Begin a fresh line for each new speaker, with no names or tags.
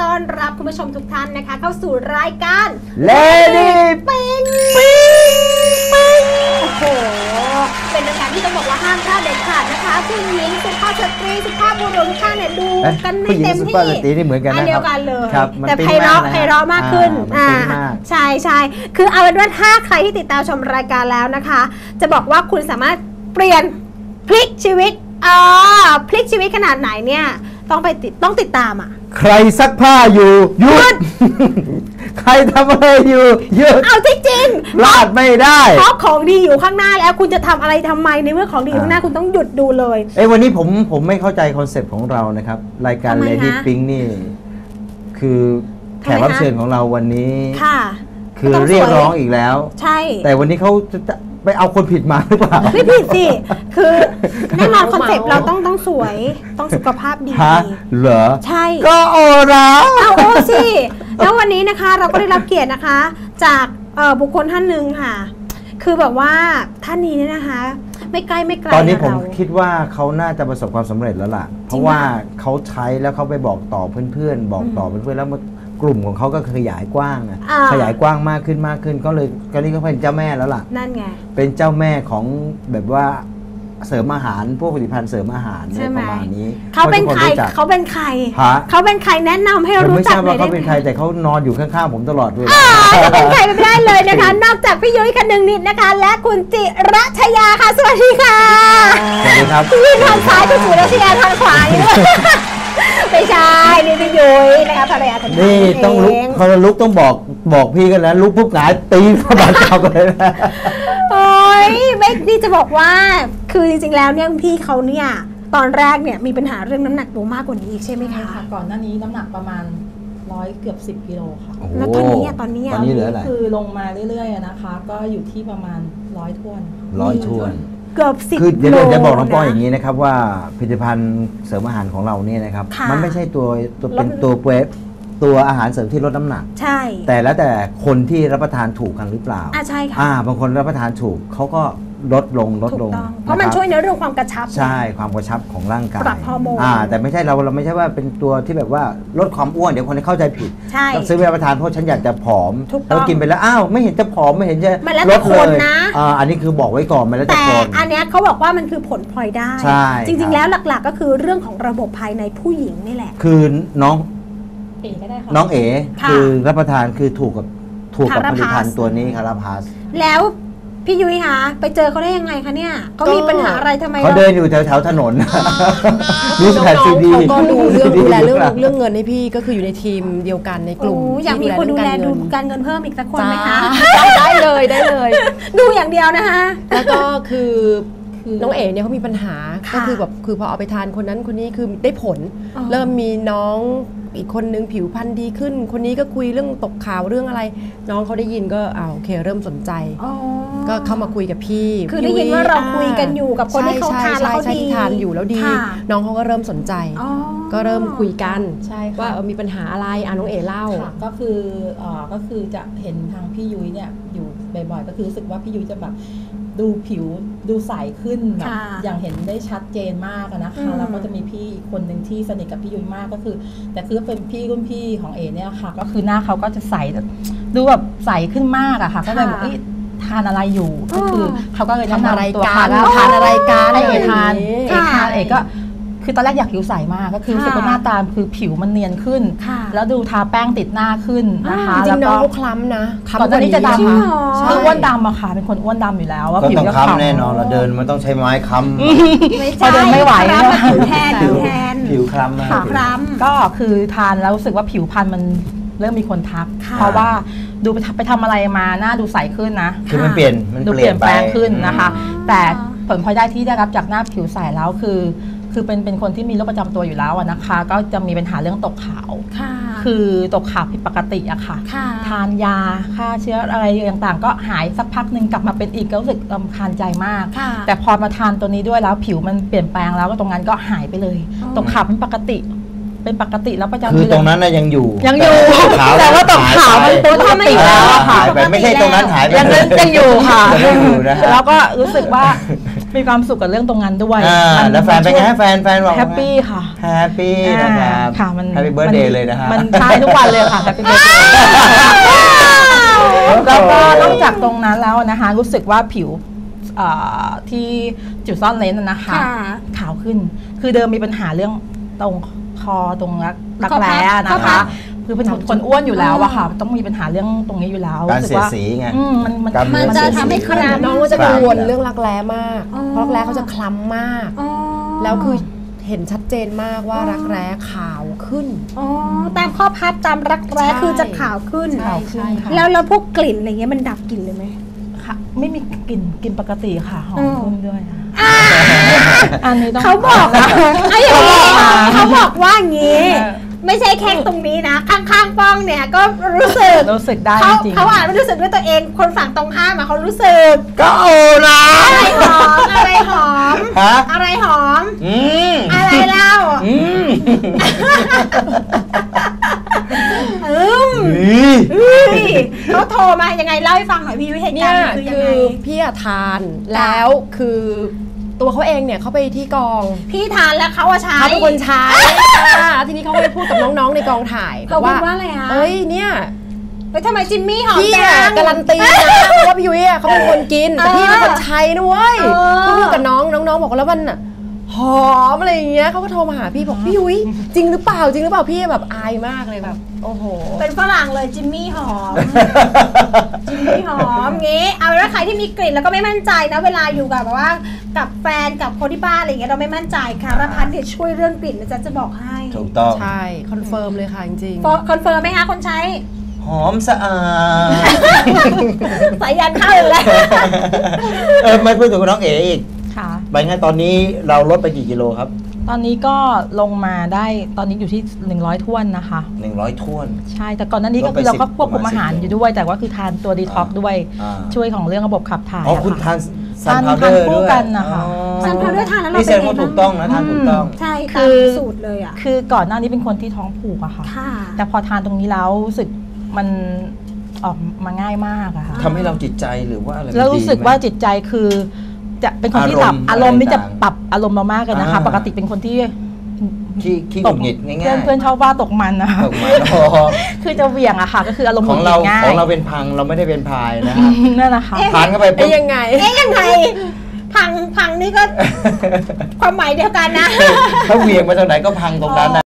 ต้อนรับคุณผู้ชมทุกท่านนะคะเข้าสู่รายการ
Lady
ปิ๊งโอ้โหเป็นรายการที่ต้องบอกว่าห้ามพลาดเด็ดขาดนะคะผู้หญิงสุภาพสตรีสุภาพบุรุษทุกท่านเนี่ยดูกันไม่เต็มที่
ผู้หญิงสุภาพสตรีนี่เหมือนกันนะครับ
เดียวกันเลย
มัน
แต่ไพเราะมากขึ้นใช่คือเอาเป็นว่าถ้าใครที่ติดตามชมรายการแล้วนะคะจะบอกว่าคุณสามารถเปลี่ยนพลิกชีวิตพลิกชีวิตขนาดไหนเนี่ยต้องติดตามอ่ะ
ใครซักผ้าอยู่หยุด ใครทำอะไรอยู่หยุด
เอาจริง
พลาดไม่ได้
เพราะของดีอยู่ข้างหน้าแล้วคุณจะทำอะไรทำไมในเมื่อของดีอยู่ข้างหน้าคุณต้องหยุดดูเลย
วันนี้ผมไม่เข้าใจคอนเซปต์ของเรานะครับรายการ Lady Pink นี่คือแขกรับเชิญของเราวันนี้
ค่ะ
คือเรียกร้องอีกแล้ว
ใช่
แต่วันนี้เขาจะไปเอาคนผิดมาหรือเปล่า
ไม่ผิดสิคือแน่นอนคอนเซปต์เราต้องสวยต้องสุขภาพดี
เหรอ
ใช่
ก็โอระ
เอาโอสิแล้ววันนี้นะคะเราก็ได้รับเกียรตินะคะจากบุคคลท่านหนึ่งค่ะคือแบบว่าท่านนี้เนี่ยนะคะไม่ใกล้ไม่ไกล
ตอนนี้ผมคิดว่าเขาน่าจะประสบความสำเร็จแล้วล่ะเพราะว่าเขาใช้แล้วเขาไปบอกต่อเพื่อนๆบอกต่อเพื่อนๆแล้วกลุ่มของเขาก็ขยายกว้างขยายกว้างมากขึ้นก็เลยตอนนี้เขาเป็นเจ้าแม่แล้วล่ะ
นั่นไง
เป็นเจ้าแม่ของแบบว่าเสริมอาหารพวกผลิตภัณฑ์เสริมอาหารประมาณนี้
เขาเป็นใครเขาเป็นใครแนะนำให้รู้จักเลยได้ไหม
เขาเป็นใครแต่เขานอนอยู่ข้างๆผมตลอดเลย
เป็นใครไม่ได้เลยนะคะนอกจากพี่ยุ้ยคนึงนิดนะคะและคุณจิรัชยาค่ะสวัสดีค่ะ
สวัสดีครับ
พี่ทางซ้ายคุณจิรัชยาทางขวาไม่ใช่นี่พี่ยุ้ยนะคะภรรยาท่าน
นี่ต้องลุกเขาลุกต้องบอกพี่กันแล้วลุกปุ๊บหงายตีเข้าบาดเจ็บเลยนะ
โอ้ยไม่นี่จะบอกว่าคือจริงๆแล้วเนี่ยพี่เขาเนี่ยตอนแรกเนี่ยมีปัญหาเรื่องน้ำหนักตัวมากกว่านี้อีกใช่ไหมคะ
ก่อนหน้านี้น้ำหนักประมาณเกือบ10 กิโลค่ะ
แล้วตอนนี้
เหลืออะไร
คือลงมาเรื่อยๆนะคะก็อยู่ที่ประมาณ100 ถ้วน
เกือบ10
คือเดี๋ยวจะบอกน้องป้อยอย่างนี้นะครับว่าผลิตภัณฑ์เสริมอาหารของเราเนี่ยนะครับมันไม่ใช่ตัวเป็นตัวอาหารเสริมที่ลดน้ำหนัก
ใช่
แต่คนที่รับประทานถูกกันหรือเปล่า
ใช่ค่ะ
บางคนรับประทานถูกเขาก็ลดลง
เพราะมันช่วยในเรื่องความกระชับ
ใช่ความกระชับของร่างกาย
ปรับฮอร์โมน
แต่ไม่ใช่เราไม่ใช่ว่าเป็นตัวที่แบบว่าลดความอ้วนเดี๋ยวคนเข้าใจผิดเราซื้อไปรับประทานเพราะฉันอยากจะผอมแล้วกินไปแล้วไม่เห็นจะผอมไม่เห็นจะลดเลยอันนี้คือบอกไว้ก่อนมาแล้วจะผอม
แต่อันนี้เขาบอกว่ามันคือผลพลอยได้จริงๆแล้วหลักๆก็คือเรื่องของระบบภายในผู้หญิงนี่แหละ
คือน้องเอ๋คือรับประทานคือถูกกับผลิตภัณฑ์ตัวนี้คาราพาส
แล้วพี่ยุ้ยคะไปเจอเขาได้ยังไงคะเนี่ยเขามีปัญหาอะไรทำไม
เขาเดินอยู่แถวถนน
น้องเขาก็ดูแลเรื่องเงินให้พี่ก็คืออยู่ในทีมเดียวกันในกลุ่ม
อยากมีคนดูแลการเงินเพิ่มอีกสักคนไหมคะ
ได้เลย
ดูอย่างเดียวนะคะ
แล้วก็คือน้องเอ๋เนี่ยเขามีปัญหาก็คือแบบคือพอเอาไปทานคนนั้นคนนี้คือได้ผลเริ่มมีน้องอีกคนนึงผิวพรรณดีขึ้นคนนี้ก็คุยเรื่องตกข่าวเรื่องอะไรน้องเขาได้ยินก็โอเคเริ่มสนใจก็เข้ามาคุยกับพี่
คือได้ยินว่าเราคุยกันอยู่กับคนที่เขาทานแล้วเขาดี
ทานอยู่แล้วดีน้องเขาก็เริ่มสนใจก็เริ่มคุยกันว่ามีปัญหาอะไรน้องเอ๋เล่า
ก็คือจะเห็นทางพี่ยุ้ยเนี่ยอยู่บ่อยๆก็คือรู้สึกว่าพี่ยุ้ยจะแบบดูผิวดูใสขึ้นแบบอย่างเห็นได้ชัดเจนมากนะคะแล้วก็จะมีพี่อีกคนหนึ่งที่สนิทกับพี่ยุ้ยมากก็คือแต่คือเป็นพี่รุ่นพี่ของเอเนี่ยค่ะก็คือหน้าเขาก็จะใสดูแบบใสขึ้นมากอะค่ะก็เลยบอกทานอะไรอยู่ก็คือเขาก็เลยแนะนำตัว
ทานอะไรกัน
เอก็คือตอนแรกอยากผิวใสมากก็คือรู้สึกว่าหน้าตาคือผิวมันเนียนขึ้นแล้วดูทาแป้งติดหน้าขึ้นนะคะ
จริงน้องเขาคล้ำนะ
ก่อนหน้านี้จะดำคืออ้วนดำอะค่ะเป็นคนอ้วนดำอยู่แล้วว่า
ผิวจะค้ำแน่นอนเราเดินมันต้องใช้ไม้ค้
ำไม่ใช่
เดินไม่ไหว
ผิวแทน
ผิวคล้ำ
ก็คือทานแล้วรู้สึกว่าผิวพรรณมันเริ่มมีคนทักเพราะว่าดูไปทำอะไรมาหน้าดูใสขึ้นนะ
คือมันเปลี่ยน
แปลงขึ้นนะคะแต่ผลพลอยได้ที่ได้รับจากหน้าผิวใสแล้วคือเป็นคนที่มีโรคประจำตัวอยู่แล้วนะคะก็จะมีปัญหาเรื่องตกขาวคือตกขาวผิดปกติอะค่ะทานยาฆ่าเชื้ออะไรต่างๆก็หายสักพักหนึ่งกลับมาเป็นอีกก็รู้สึกรำคาญใจมากแต่พอมาทานตัวนี้ด้วยแล้วผิวมันเปลี่ยนแปลงแล้วก็ตรงนั้นก็หายไปเลยตกขาวเป็นปกติแล้วประจำ
คือตรงนั้นยังอยู่
แต่ว่าตกขาวมันตัวทำอีกแล้ว
หายไปไม่ใช่ตรงนั้นหายไป
ยังอยู่ค่ะแล้วก็รู้สึกว่ามีความสุขกับเรื่องตรงนั้นด้วย
แล้วแฟนเป็นไงแฟนบอก
แฮปปี้ค่ะ
แฮปปี้นะครับ
ค่ะมัน
แฮปปี้เบิร์ดเดย์เลยนะฮะ
มันใช่ทุกวันเลยค่ะแฮปปี้เบิร์ดเดย์แล้วก็นอกจากตรงนั้นแล้วนะคะรู้สึกว่าผิวที่จุดซ่อนเลนนะคะขาวขึ้นคือเดิมมีปัญหาเรื่องตรงคอตรงรักแร้นะคะคือเป็นคนอ้วนอยู่แล้วอะค่ะต้องมีปัญหาเรื่องตรงนี้อยู่แล้ว
การเสียสีไง
มันจะทำให้คล้ำ
น้องก็จะกังวลเรื่องรักแร้มากเพราะรักแร้เขาจะคล้ำมากแล้วคือเห็นชัดเจนมากว่ารักแร้ขาวขึ้น
ตามข้อพับตามรักแร้คือจะขาวขึ้นแล้วพวกกลิ่นอะไรเงี้ยมันดับกลิ่นเลยไหม
ค่ะไม่มีกลิ่นปกติค่ะหอมขึ้นด้วยอันนี้ต้อง
เขาบอกเขาบอกว่างี้ไม่ใช่แค่ตรงนี้นะข้างๆป้องเนี่ยก็รู้สึก
ได้จริง
เขาอาจไม่รู้สึกด้วยตัวเองคนฝั่งตรงข้ามเขารู้สึก
ก็โอ้นะ
อะไรหอมอะไรหอมอะไรเล่าเขาโทรมายังไงเล่าให้ฟังหน่อยพี่วิเหตุการณ์คือยังไง
พี่ทานแล้วคือตัวเขาเองเนี่ยเขาไปที่กอง
พี่ทานแล้วเขาใช้
เขาเป็นคนใช้ทีนี้เขาไปพูดกับน้องๆในกองถ่าย
เขาบอกว่าอะไรคะ
เอ้ยเนี่ย
ทำไมจิมมี่หอมจัง
การันตีนะว่าพี่ยุ้ยเขาเป็นคนกินแต่พี่เป็นคนใช้นะเว้ยพูดกับน้องบอกแล้วมันหอมอะไรอย่างเงี้ยเขาก็โทรมาหาพี่บอกพี่ยุ้ยจริงหรือเปล่าพี่แบบอายมากเลยแบบโอ้โห
เป็นฝรั่งเลยจิมมี่หอมงี้เอาแล้วใครที่มีกลิ่นแล้วก็ไม่มั่นใจนะเวลาอยู่กับแบบว่ากับแฟนกับคนที่บ้านอะไรอย่างเงี้ยเราไม่มั่นใจค่ะรพัฒน์เนี่ยช่วยเรื่องกลิ่นนะจ๊ะจะบอกให้
ถูกต้อง
ใช่คอนเฟิร์มเลยค่ะจริง
คอนเฟิร์มไหมคะคนใช้
หอมสะอาด
สายยันเข้าเลย
ไม่พูดถึงน้องเอ๋อีก
ค่ะ
ไปไงตอนนี้เราลดไปกี่กิโลครับ
ตอนนี้ก็ลงมาได้ตอนนี้อยู่ที่100ท้วนนะคะ
100ท้วน
ใช่แต่ก่อนหน้านี้ก็คือเราก็ควบคุมอาหารอยู่ด้วยแต่ว่าคือทานตัวดีท็อกด้วยช่วยของเรื่องระบบขับถ่าย
คุณทาน
ซันพาวเดอร์ด้วยกันนะคะ
ซันพาวเดอร์ทานแล้วเรา
เป็นไงถูกต้องนะทานถูกต้อง
ใช่คือสูตรเลยอ่ะ
คือก่อนหน้านี้เป็นคนที่ท้องผูกอะค่ะแต่พอทานตรงนี้แล้วรู้สึกมันออกมาง่ายมากอะค่ะ
ทำให้เราจิตใจหรือว่าอะไร
แล้วรู้สึกว่าจิตใจคือจะเป็นคนที่ปรับอารมณ์นี่จะปรับอารมณ์เรามากเลยนะคะปกติเป็นคนที่
ตกหงิดง่าย
ๆเพื่อนชอบว่าตกมันนะคะคือจะเหวี่ยงอะค่ะก็คืออารมณ์
ของเราเป็นพังเราไม่ได้เป็นพายนะครับ
นั่นแหละค่ะ
ทานเข้าไป
เป็นยังไง
พังนี่ก็ความหมายเดียวกันนะ
ถ้าเหวี่ยงมาจากไหนก็พังตรงนั้นนะ